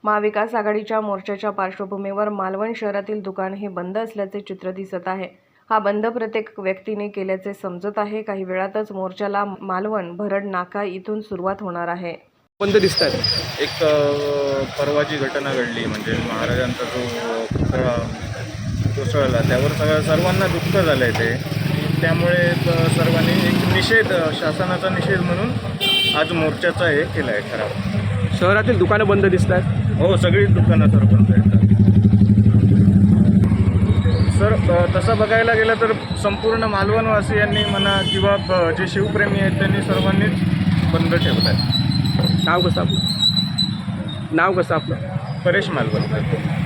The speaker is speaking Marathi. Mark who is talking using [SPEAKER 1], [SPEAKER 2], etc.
[SPEAKER 1] महाविकास आघाडीच्या मोर्चाच्या पार्श्वभूमीवर मालवण शहरातील दुकान हे बंद असल्याचे चित्र दिसत आहे। हा बंद प्रत्येक व्यक्तीने केल्याचे समजत आहे। काही वेळातच मोर्चाला मालवण भरड नाका इथून सुरुवात होणार आहे।
[SPEAKER 2] बंद दिसतात। एक परवाची घटना घडली, म्हणजे महाराजांचा जो पुतळा कोसळला, त्यावर सर्वांना दुःख झालं आहे ते। त्यामुळे सर्वांनी एक निषेध, शासनाचा निषेध म्हणून आज मोर्चाचा हे केला आहे ठराव।
[SPEAKER 3] शहरातील दुकानं बंद दिसतात।
[SPEAKER 2] हो, सगळीच दुकानं सर बंद आहेत सर। तसं बघायला गेलं तर संपूर्ण मालवणवासियांनी म्हणा किंवा जे शिवप्रेमी आहेत त्यांनी सर्वांनीच बंद ठेवलं आहे।
[SPEAKER 3] नाव कसं आपलं?
[SPEAKER 2] परेश मालवणकर।